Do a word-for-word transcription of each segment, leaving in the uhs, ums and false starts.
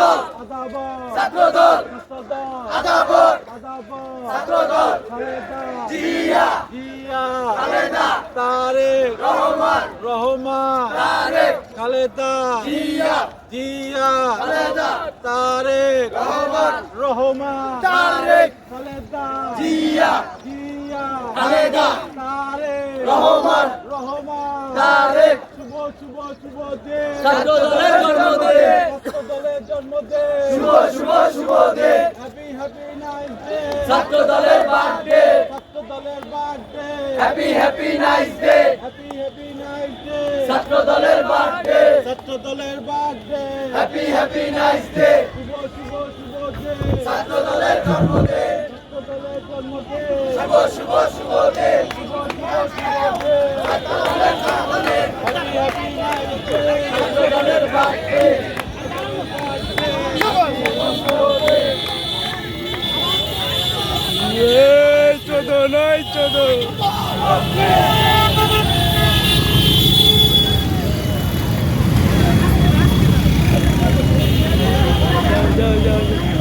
ছাত্রদল আদাবাদ ছাত্রদল ছাত্রদল আদাবর আদাবাদ ছাত্রদল খালেদা জিয়া জিয়া খালেদা তারেক রহমান রহমান তারেক খালেদা জিয়া জিয়া খালেদা তারেক রহমান রহমান তারেক খালেদা জিয়া জিয়া খালেদা তারেক রহমান রহমান তারেক শুভ শুভ শুভ দিন ছাত্রদলের জন্মদিন ছাত্রদলের জন্মদিন শুভ শুভ শুভ দিন হ্যাপি হ্যাপি নাইস ডে ছাত্রদলের বার্থডে ছাত্রদলের birthday happy happy nice day happy happy nice day ছাত্রদলের বার্থডে ছাত্রদলের birthday happy happy nice day শুভ শুভ শুভ দিন ছাত্রদলের জন্মদিন ছাত্রদলের জন্মদিন শুভ শুভ শুভ দিন শুভ শুভ শুভ দিন ছাত্রদলের জন্মদিন হ্যাপি হ্যাপি নাইস ডে ছাত্রদলের বার্থডে এই চোদো নয় চোদো যাও যাও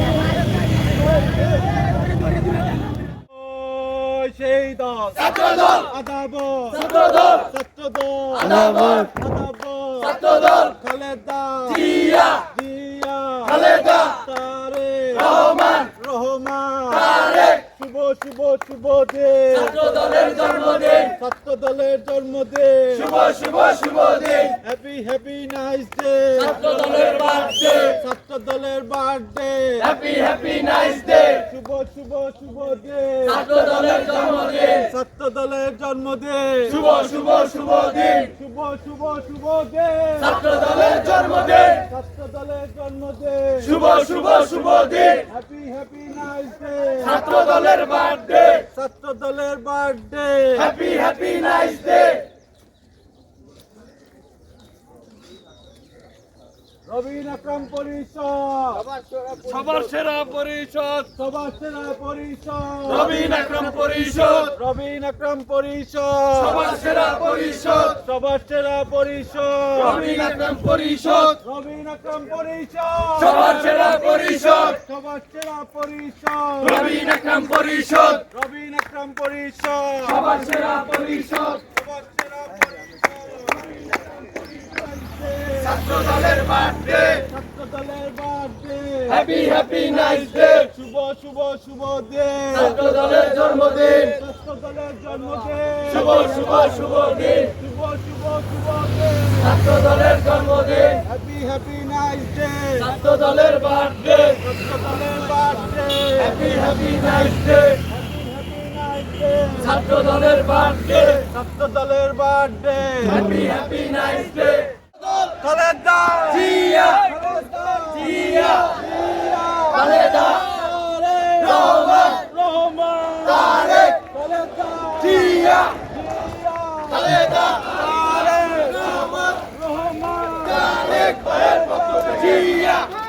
সেই দল ছাত্রদল আদাবর ছাত্রদল ছাত্রদল আদাবর আদাবর ছাত্রদল খালেদা জিয়া জিয়া খালেদা তারেক রহমান রহমান তারেক শুভ শুভ শুভ দিন ছাত্রদলের জন্মদিন ছাত্রদলের জন্মদিন শুভ শুভ শুভ দিন হ্যাপি হ্যাপি নাইস ডে ছাত্রদলের বার্থডে ছাত্রদলের birthday happy happy nice day শুভ শুভ শুভ দিন ছাত্রদলের জন্মদিন ছাত্রদলের জন্মদিন শুভ শুভ শুভ দিন শুভ শুভ শুভ দিন ছাত্রদলের জন্মদিন ছাত্রদলের জন্মদিন শুভ শুভ শুভ দিন হ্যাপি হ্যাপি নাইস ডে ছাত্রদলের বার্থডে ছাত্রদলের birthday happy happy nice day Robin Akram পরিষদ সবার সেরা পরিষদ সবার সেরা পরিষদ রবিন আকরাম পরিষদ রবিন আকরাম পরিষদ সবার সেরা পরিষদ সবার সেরা পরিষদ রবিন আকরাম পরিষদ রবিন আকরাম পরিষদ সবার সেরা পরিষদ সবার সেরা পরিষদ রবিন আকরাম পরিষদ রবিন আকরাম পরিষদ সবার সেরা পরিষদ সবার সেরা ছাত্রদলের বার্থডে ছাত্রদলের birthday happy happy nice day শুভ শুভ শুভ দিন ছাত্রদলের জন্মদিন ছাত্রদলের জন্মদিন শুভ শুভ শুভ দিন শুভ শুভ শুভ দিন ছাত্রদলের জন্মদিন হ্যাপি হ্যাপি নাইস ডে ছাত্রদলের বার্থডে ছাত্রদলের birthday happy happy nice day happy happy nice day ছাত্রদলের বার্থডে ছাত্রদলের birthday happy happy nice day Khaleda Zia Zia Khaleda Rahman Rahman Tarique Khaleda Zia Zia Khaleda Tarique Rahman Rahman Tarique Zia